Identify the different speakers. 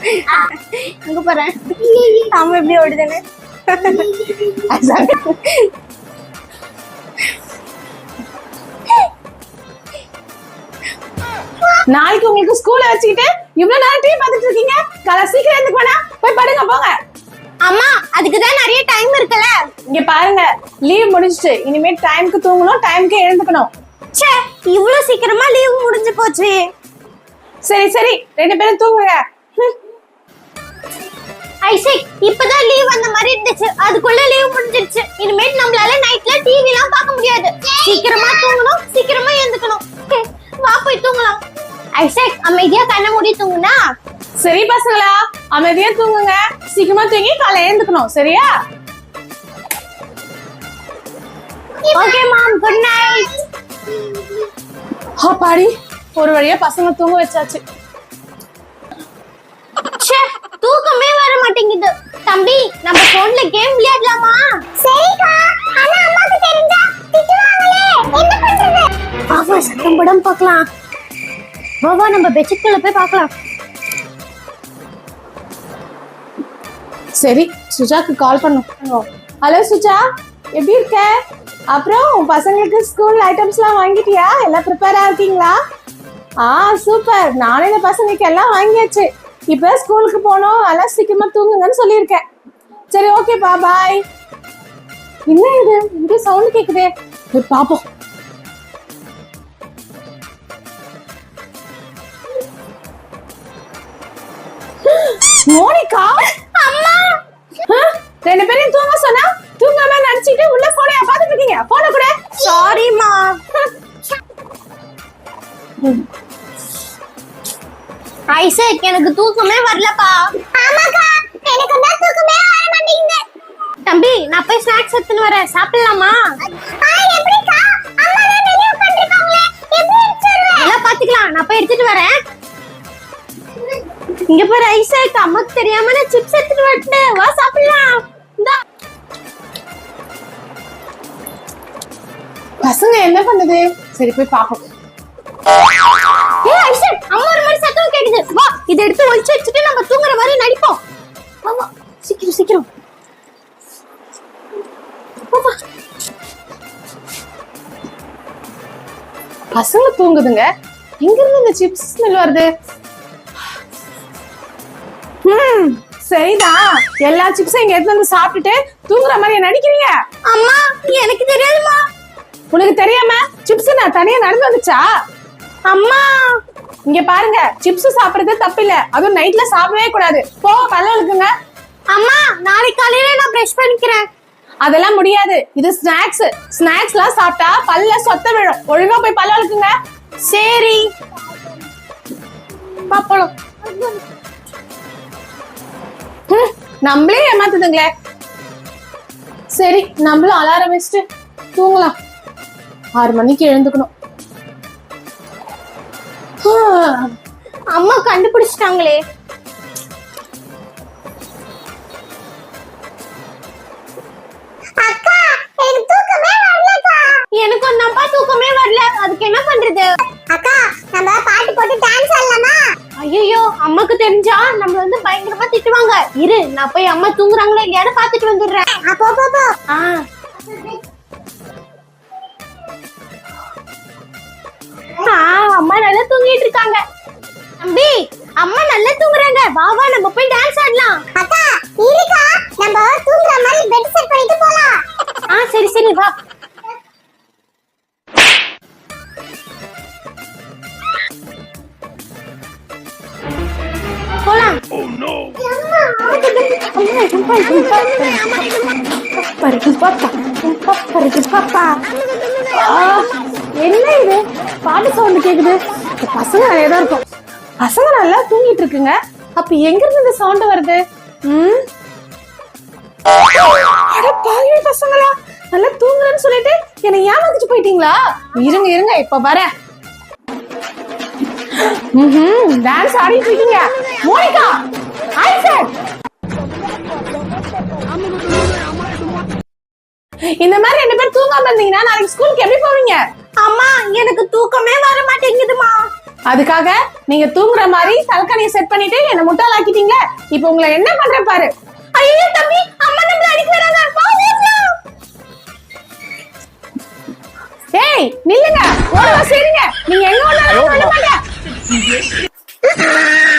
Speaker 1: அங்க போறேன். அம்மா எப்படி ஓடுதுன்னு.
Speaker 2: நாளைக்கு உங்களுக்கு ஸ்கூல்ல வச்சுக்கிட்டு இவ்வளவு நேரம் டிவி பார்த்துட்டு இருக்கீங்க. காலை சீக்கிரம் எழுந்து போனா போய் படுங்க போங்க.
Speaker 1: அம்மா அதுக்குதான் நிறைய டைம் இருக்குல்ல.
Speaker 2: இங்க பாருங்க, லீவ் முடிஞ்சிட்டு இனிமே டைம்க்கு தூங்கணும், டைம்க்கு எழுந்துக்கணும்.
Speaker 1: ச்சே, இவ்வளவு சீக்கிரமா லீவ் முடிஞ்சு போச்சு.
Speaker 2: சரி சரி, 2 பேரும் தூங்குங்க.
Speaker 1: ஐசக், இப்பதான் லீவ் வந்த மாதிரி இருந்துச்சு, அதுக்குள்ள லீவ் முடிஞ்சிருச்சு. இனிமேல் நம்மளால நைட்ல டிவி எல்லாம் பார்க்க முடியாது. சீக்கிரமா தூங்கணும், சீக்கிரமா எழுந்துக்கணும். வா போய் தூங்கலாம். ஐசக், அமைதியா கண்ணை மூடி தூங்குனா.
Speaker 2: சரி பசங்களா, அமைதியா தூங்குங்க, சீக்கிரமா தூங்கி காலை எழுந்துக்கணும். சரியா?
Speaker 1: Okay ma'am, good night.
Speaker 2: பாடி, ஒரு வழியா பசங்க தூங்க வச்சாச்சு.
Speaker 1: ச்சே, தூக்கமே வர மாட்டேங்குது. தம்பி, நம்ம போன்ல கேம் விளையாடலாமா? சரிக்கா, ஆனா அம்மாக்கு தெரிஞ்சா திட்டுவாங்களே, என்ன பண்றது? பாவா, சத்தம் படம் பார்க்கலாம். பாவா, நம்ம பெட்ஷீட்ல போய் பார்க்கலாம்.
Speaker 2: சரி, சுஜாக்கு கால் பண்ணும். ஹலோ சுஜா, எப்படி இருக்க? அப்புறம் பசங்களுக்கு ஸ்கூல் ஐட்டம்ஸ்லாம் வாங்கிட்டியா? எல்லாம் ப்ரிப்பேரா இருக்கீங்களா? சூப்பர். நானே இந்த பசங்களுக்கு எல்லாம் வாங்கியாச்சு. இப்போ ஸ்கூலுக்கு போனோம், எல்லாம் சீக்கிரமா தூங்குங்கன்னு சொல்லியிருக்கேன். சரி, ஓகேப்பா, பாய். என்ன இது, இங்கே சவுண்ட் கேக்குதே, போய் பாப்போம். மோனிகா,
Speaker 1: அம்மா,
Speaker 2: 2 பேரையும் தூங்க சொன்னா தூங்காம நடிச்சிட்டு உள்ள போனை பார்த்துட்டு இருக்கீங்க. போன கூட.
Speaker 1: சாரிமா. ஐசக், எனக்கு தூக்கமே வரலப்பா. ஆமாக்கா, எனக்கு தான் தூக்கமே வர மாட்டேங்குது. தம்பி, நான் போய் ஸ்நாக்ஸ் எடுத்துட்டு வரேன், சாப்பிடலாமா? எப்படிக்கா, அம்மா தான் ரெடி பண்ணிருக்காங்களே, எப்படி எடுத்துறேன்? எல்லாம் பாத்துக்கலாம், நான் போய் எடுத்துட்டு வரேன். இங்க பாரு ஐசக், அம்மாக்கு தெரியாம நான் சிப்ஸ் எடுத்துட்டு வரேன். வா சாப்பிடலாம். இந்தா.
Speaker 2: பசங்க என்ன பண்ணுது? சரி, போய் பாப்போம்.
Speaker 1: ஏய் ஐசக், அம்மா ஒரு மாதிரி சத்தம் கேக்குது. வா, இத எடுத்து ஒளிச்சு வச்சிட்டு நம்ம தூங்குற மாதிரி நடிப்போம். வா வா, சீக்கிரம் சீக்கிரம். வா.
Speaker 2: பசங்க தூங்குதுங்க, எங்க இருந்து இந்த சிப்ஸ் ஸ்மெல் வருது? சரிதான், எல்லா சிப்ஸும் இங்க எடுத்து வந்து சாப்பிட்டுட்டு தூங்குற மாதிரி நடிக்கிறீங்க.
Speaker 1: அம்மா, எனக்கு தெரியாதுமா.
Speaker 2: உனக்கு தெரியாம சிப்ஸ் நான் தனியா நடந்து வந்துச்சா?
Speaker 1: அம்மா,
Speaker 2: இங்க பாருங்க, சிப்ஸ் சாப்பிடுறது தப்பு இல்ல, அதுவும் நைட்ல சாப்பிடவே கூடாது. போ, பல்ல விளக்குங்க.
Speaker 1: அம்மா, நாளைக்கு காலையில நான் பிரஷ் பண்ணிக்கிறேன்.
Speaker 2: அதெல்லாம் முடியாது, இது ஸ்நாக்ஸ். ஸ்நாக்ஸ்லாம் சாப்பிட்டா பல்ல சொத்த விழும். ஒழுங்கா போய் பல்ல விளக்குங்க.
Speaker 1: சரி
Speaker 2: பாப்போம். நம்மளே ஏமாத்துதுங்களே. சரி, நம்மளும் அலாரம் வச்சுட்டு தூங்கலாம். 6 மணிக்கு எழுந்துக்கணும்.
Speaker 1: அம்மா கண்டுபிடிச்சிட்டாங்களே. அக்கா, எனக்கு தூக்கமே வரலக்கா. எனக்கு ஒண்ணாப்பா தூக்கமே வரல. அதுக்கு என்ன பண்றது? அக்கா, நம்ம பாட்டு போட்டு டான்ஸ் ஆடலாமா? ஐயோ, அம்மாக்கு தெரிஞ்சா நம்ம வந்து பயங்கரமா திட்டுவாங்க. இரு, நான் போய் அம்மா தூங்குறாங்களா இல்லையான்னு பாத்துட்டு வந்துடுறேன். அப்போ போ. அம்மா நல்லா தூங்கிட்டு இருக்காங்க. தம்பி, அம்மா நல்லா தூங்குறாங்க. வா வா, நம்ம போய் டான்ஸ் ஆடலாம். அக்கா, இருக்கா, நம்ம தூங்குற மாதிரி பெட் செட் பண்ணிட்டு போலாம். சரி சரி, வா. போலாம்.
Speaker 2: என்ன இது, பாட்டு சவுண்ட் கேக்குது? பசங்க நிறைய தான் இருக்கும். பசங்க நல்லா தூங்கிட்டு இருக்குங்க, அப்ப எங்க இருந்து இந்த சவுண்ட் வருது? பசங்களா, நல்லா தூங்குறேன்னு சொல்லிட்டு என்னை ஏமாத்திட்டு போயிட்டீங்களா? இருங்க இருங்க, இப்ப வரேன். டான்ஸ் ஆடிட்டு இருக்கீங்க. மோனிகா, ஐசக், இந்த மாதிரி 2 பேர் தூங்காம இருந்தீங்கன்னா நாளைக்கு ஸ்கூலுக்கு எப்படி போவீங்க?
Speaker 1: அம்மா, எனக்கு தூக்கமே வர மாட்டேங்குதுமா.
Speaker 2: அதுக்காக நீங்க தூங்குற மாதிரி தலக்கணியை செட் பண்ணிட்டு என்ன முட்டாளாக்கிட்டீங்களே. இப்போ உங்களை என்ன பண்றேன் பாரு.
Speaker 1: ஐயோ தம்பி, அம்மா நம்மள அடிக்க வராங்க. வா ஓடலாம்.
Speaker 2: ஏய் நில்லுங்க, ஓடவா சரிங்க. நீங்க எங்க வந்தாலும்